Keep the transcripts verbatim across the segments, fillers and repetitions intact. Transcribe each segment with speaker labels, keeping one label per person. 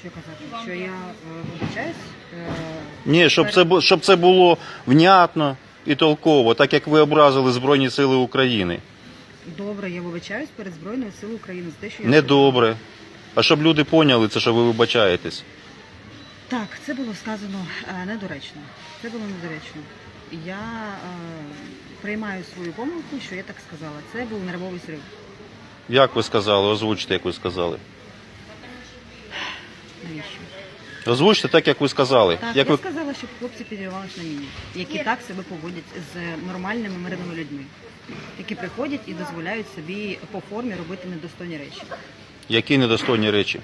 Speaker 1: що казати? Що я е, вибачаюсь? Е,
Speaker 2: Ні, щоб це, бу- щоб це було внятно і толково, так як ви образили Збройні Сили України.
Speaker 1: Добре, я вибачаюсь перед Збройною Силою України за те, що я...
Speaker 2: Недобре. А щоб люди поняли це, що ви вибачаєтесь.
Speaker 1: Так, це було сказано е, недоречно. Це було недоречно. Я е, приймаю свою помилку, що я так сказала. Це був нервовий зрив.
Speaker 2: Як ви сказали? Озвучте, як ви сказали.
Speaker 1: Навіщо?
Speaker 2: Озвучте так, як ви сказали.
Speaker 1: Так,
Speaker 2: Як
Speaker 1: я
Speaker 2: ви...
Speaker 1: сказала, щоб хлопці підривалися на міні, які так себе поводять з нормальними мирними людьми, які приходять і дозволяють собі по формі робити недостойні речі.
Speaker 2: Які недостойні речі?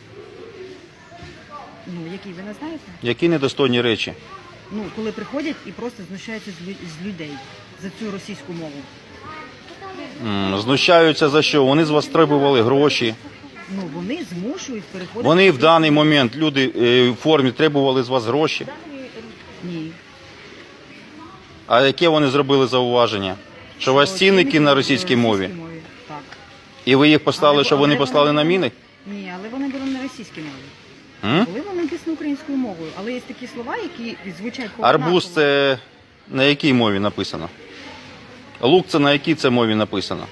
Speaker 1: Ну, які ви не знаєте?
Speaker 2: Які недостойні речі?
Speaker 1: Ну, коли приходять і просто знущаються з, лю- з людей за цю російську мову.
Speaker 2: М, Знущаються за що? Вони з вас требували гроші.
Speaker 1: Ну, вони змушують переходити...
Speaker 2: Вони в даний момент, люди е, в формі, требували з вас гроші.
Speaker 1: Ні.
Speaker 2: А яке вони зробили зауваження? Що у вас цінники на російській мові?
Speaker 1: Так.
Speaker 2: І ви їх послали,
Speaker 1: Але-
Speaker 2: щоб вони
Speaker 1: але
Speaker 2: послали
Speaker 1: вони-
Speaker 2: на міни?
Speaker 1: Ні, але вони були на російській мові.
Speaker 2: М?
Speaker 1: Були вони написані українською мовою, але є такі слова, які звучать по
Speaker 2: Арбуз це на якій мові написано? Лук це на якій це мові написано?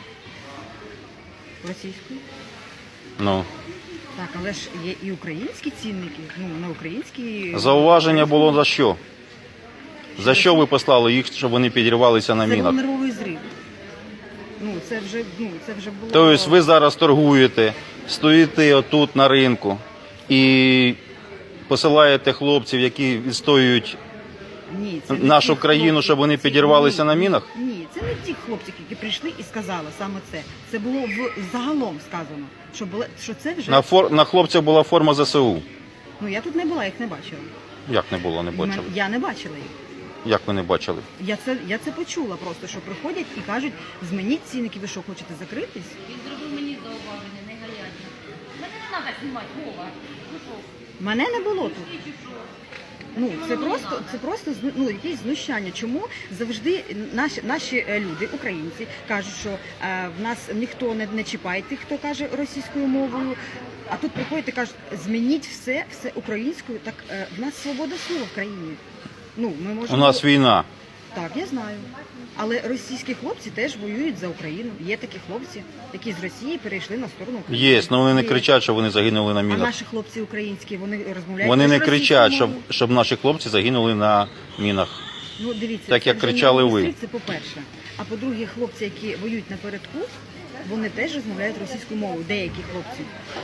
Speaker 1: російською.
Speaker 2: Ну.
Speaker 1: Так, але ж є і українські цінники, ну, на українській...
Speaker 2: Зауваження було за що? За що ви послали їх, щоб вони підірвалися на
Speaker 1: Це був
Speaker 2: мінах?
Speaker 1: нервовий зрив. Ну, це вже, ну, це вже було...
Speaker 2: Тобто ви зараз торгуєте, стоїте отут на ринку і посилаєте хлопців, які відстоюють
Speaker 1: Ні, це не
Speaker 2: нашу
Speaker 1: ті
Speaker 2: країну,
Speaker 1: хлопці.
Speaker 2: щоб вони
Speaker 1: Ці-
Speaker 2: підірвалися
Speaker 1: ні,
Speaker 2: на мінах?
Speaker 1: Ні, це не ті хлопці, які прийшли і сказали саме це. Це було в загалом сказано, що, було, що це вже...
Speaker 2: На, фор... на хлопцях була форма зе се у.
Speaker 1: Ну, я тут не була, їх не бачила.
Speaker 2: Як не було, не бачили?
Speaker 1: Я не бачила їх.
Speaker 2: Як ви не бачили?
Speaker 1: Я це, я це почула просто, що приходять і кажуть, змініть цінники, ви що, хочете закритись?
Speaker 3: Він зробив мені зауваження, не гаятно. Мене не треба знімати, Вова. Ну що?
Speaker 1: Мене не було тут. Ну, це просто, це просто зну- ну, якесь знущання. Чому завжди наші, наші е, люди, українці, кажуть, що е, в нас ніхто не, не чіпає тих, хто каже російською мовою, а тут приходять і кажуть, змініть все, все українською. Так е, в нас свобода слова в країні. Ну, ми
Speaker 2: У
Speaker 1: можемо...
Speaker 2: нас війна.
Speaker 1: Так, я знаю. Але російські хлопці теж воюють за Україну. Є такі хлопці, які з Росії перейшли на сторону України.
Speaker 2: Є, але вони не
Speaker 1: Є.
Speaker 2: кричать, що вони загинули на
Speaker 1: А
Speaker 2: мінах.
Speaker 1: наші хлопці українські, вони розмовляють
Speaker 2: Вони
Speaker 1: теж
Speaker 2: не
Speaker 1: російською
Speaker 2: кричать, щоб,
Speaker 1: мовою?
Speaker 2: щоб наші хлопці загинули на мінах.
Speaker 1: Ну, дивіться,
Speaker 2: так,
Speaker 1: це
Speaker 2: як
Speaker 1: вже
Speaker 2: кричали
Speaker 1: не
Speaker 2: ви.
Speaker 1: місці, це по-перше. А по-друге, хлопці, які воюють напередку, вони теж розмовляють російською мовою. Деякі хлопці.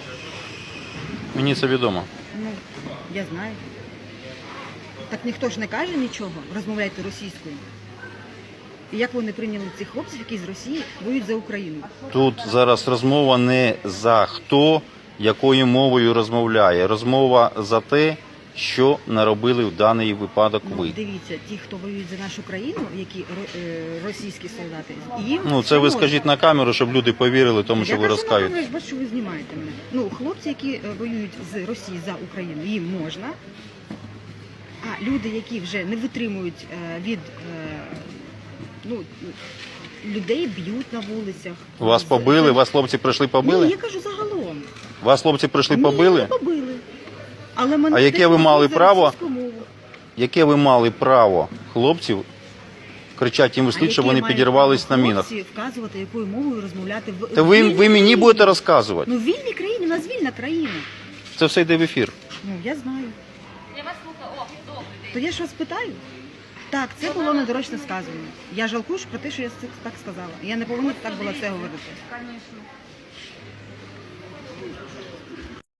Speaker 2: Мені це відомо.
Speaker 1: Ну, я знаю. Так ніхто ж не каже нічого, розмовляйте російською. І як вони прийняли цих хлопців, які з Росії воюють за Україну?
Speaker 2: Тут зараз розмова не за хто, якою мовою розмовляє. Розмова за те, що наробили в даний випадок
Speaker 1: Ну,
Speaker 2: ви.
Speaker 1: дивіться, ті, хто воюють за нашу країну, які ро- е, російські солдати, їм
Speaker 2: Ну, це ви
Speaker 1: можна.
Speaker 2: скажіть на камеру, щоб люди повірили тому, що
Speaker 1: Я
Speaker 2: ви
Speaker 1: кажу,
Speaker 2: розкажете.
Speaker 1: Я ж бачу, що ви знімаєте мене. Ну, хлопці, які е, воюють з Росії за Україну, їм можна. А люди, які вже не витримують е, від е, ну, людей, б'ють на вулицях.
Speaker 2: Вас
Speaker 1: З-
Speaker 2: побили? Вас хлопці прийшли побили?
Speaker 1: Ні, я кажу загалом.
Speaker 2: Вас хлопці прийшли
Speaker 1: Ні,
Speaker 2: побили?
Speaker 1: не побили. Але мене
Speaker 2: А яке
Speaker 1: теж
Speaker 2: ви мали
Speaker 1: побили за
Speaker 2: право?
Speaker 1: російську мову.
Speaker 2: Яке ви мали право хлопців кричати їм
Speaker 1: А
Speaker 2: вслід, щоб
Speaker 1: яке
Speaker 2: вони
Speaker 1: мають
Speaker 2: підірвались на
Speaker 1: право
Speaker 2: мінах?
Speaker 1: хлопці вказувати, якою мовою розмовляти в
Speaker 2: Та
Speaker 1: в
Speaker 2: ви,
Speaker 1: вільній
Speaker 2: ви мені
Speaker 1: країні.
Speaker 2: будете розказувати.
Speaker 1: Ну, в вільній країні, у нас вільна країна.
Speaker 2: Це все йде в ефір.
Speaker 1: Ну, я знаю.
Speaker 3: Я вас слухаю. О, добрий день.
Speaker 1: То я ж вас питаю. Так, це було недоречно сказано. Я жалкую про те, що я це так сказала. Я не повинна так було це говорити.
Speaker 3: Звісно.